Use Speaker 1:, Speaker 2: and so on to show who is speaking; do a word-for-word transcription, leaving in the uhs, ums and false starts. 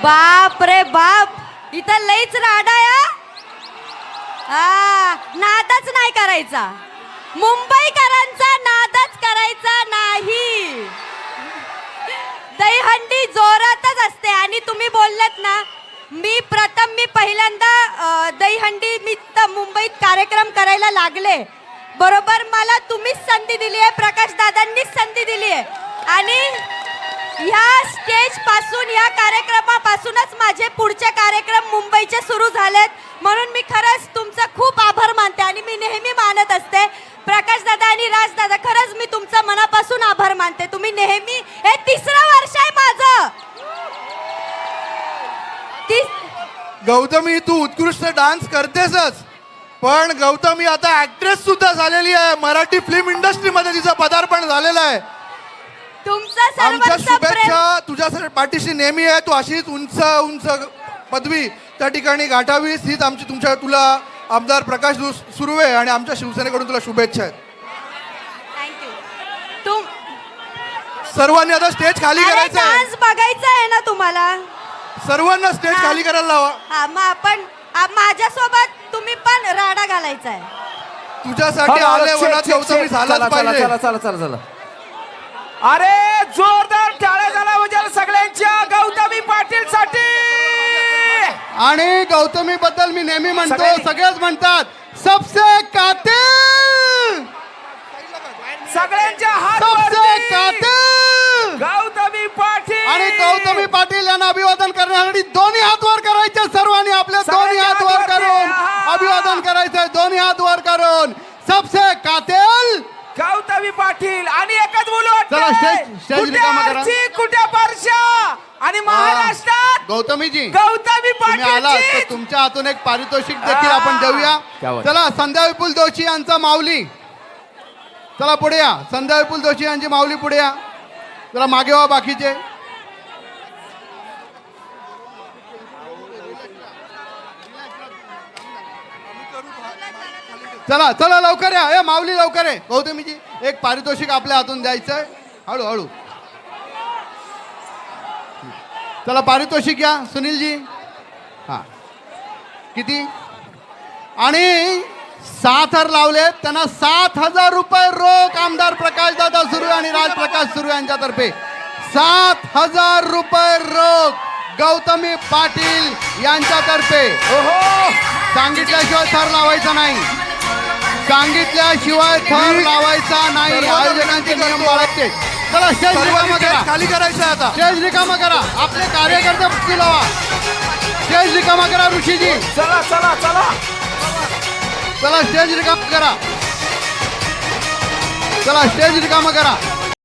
Speaker 1: बाप रे बाप, इथं लईच राडा या. हा, नादच नाही करायचा, मुंबईकरांचा नादच करायचा नाही. दहीहंडी जोरातच असते. आणि तुम्ही बोललात ना, मी प्रथम मी पहिल्यांदा अ, दहीहंडी मी त- मुंबईत कार्यक्रम करायला लागले बरोबर. मला तुम्हीच संधी दिली आहे, प्रकाश दादांनीच संधी दिली आहे. आणि ह्या स्टेज पासून, या कार्यक्रमापासूनच माझे पुढचे कार्यक्रम मुंबईचे सुरू झालेत. म्हणून मी खरंच तुमचा खूप आभार मानते. आणि मी नेहमी मानत असते प्रकाश दादा आणि राज दादा, खरंच मी तुमचा मनापासून आभार मानते. तुम्ही नेहमी, हे तिसरं वर्ष आहे माझं.
Speaker 2: गौतमी, तू उत्कृष्ट डान्स करतेसच, पण गौतमी आता ऍक्ट्रेस सुद्धा झालेली आहे. मराठी फिल्म इंडस्ट्रीमध्ये तिचं पदार्पण झालेलं आहे.
Speaker 1: तुमचं
Speaker 2: आमच्या
Speaker 1: सर्वांचं प्रेम.
Speaker 2: शुभेच्छा तुझ्या पाठीशी नेहमी आहे. तू अशीच उंच उंच पदवी त्या ठिकाणी गाठावीस, हीच आमची तुमच्या तुला आमदार प्रकाश सुर्वे आणि आमच्या शिवसेनेकडून तुला शुभेच्छा आहेत.
Speaker 1: थँक्यू. तुम
Speaker 2: सर्वांनी आता स्टेज खाली करायचं आहे.
Speaker 1: डान्स बघायचा आहे ना तुम्हाला?
Speaker 2: सर्वांना स्टेज खाली करायला लावा.
Speaker 1: हा, मग आपण आ- माझ्यासोबत तुम्ही पण राडा घालायचा आहे.
Speaker 2: तुझ्यासाठी आले वनात गौतमी झालाच पाहिजे.
Speaker 3: चला चला चला चला. अरे जोरदार टाळ्या झाला म्हणजे सगळ्यांच्या गौतमी पाटील साठी.
Speaker 2: आणि गौतमी बद्दल मी नेहमी म्हणतो,
Speaker 3: सगळ्यांनी-
Speaker 2: सगळेच म्हणतात सबसे कातिल,
Speaker 3: सगळ्यांच्या हात
Speaker 2: सबसे
Speaker 3: वरती.
Speaker 2: कातिल.
Speaker 3: गौतमी पाटील
Speaker 2: आणि गौतमी पाटील यांना अभिवादन करण्यासाठी दोन्ही हात वर करायचे. सर्वांनी आपले दोन्ही हात वर करून अभिवादन करायचंय. दोन्ही हात वर करून सबसे कातिल
Speaker 3: गौतमी पाटील. आणि एकच बोलू
Speaker 2: चला, स्टेज- स्टेज
Speaker 3: कुठे
Speaker 2: रिकामा करा.
Speaker 3: आरची, कुठे परशा. आणि महाराष्ट्रात
Speaker 2: गौतमीजी
Speaker 3: गौतमी
Speaker 2: तुम्ही आलात तर
Speaker 3: पाटील.
Speaker 2: तुमच्या हातून एक पारितोषिक देखील आपण देऊया.
Speaker 3: क्या बात.
Speaker 2: चला, संध्या विपुल जोशी यांचा माऊली, चला पुढे या. संध्या विपुल जोशी यांची माऊली पुढे या. चला मागे व्हा बाकीचे. चला चला लवकर या. ए माऊली लवकर आहे. गौतमीजी एक पारितोषिक आपल्या हातून द्यायचंय. हळू हळू. चला पारितोषिक या सुनीलजी. हा किती? आणि सात हार लावले त्यांना सात हजार रुपये रोख आमदार प्रकाश दादा सुर्वे आणि राजप्रकाश सुर्वे यांच्यातर्फे सात हजार रुपये रोख गौतमी पाटील यांच्यातर्फे.
Speaker 3: ओहो,
Speaker 2: सांगितल्याशिवाय थर लावायचा नाही. सांगितल्याशिवाय थर लावायचा नाही. आयोजकांचे नियम पाळायचे. चला स्टेज रिकामा करा. खाली करायचं आता. स्टेज रिकामा करा. आपले कार्यकर्ते पुढे लावा. स्टेज रिकामा करा ऋषीजी.
Speaker 3: चला चला चला.
Speaker 2: चला स्टेज रिकामा करा. चला स्टेज रिकामा करा.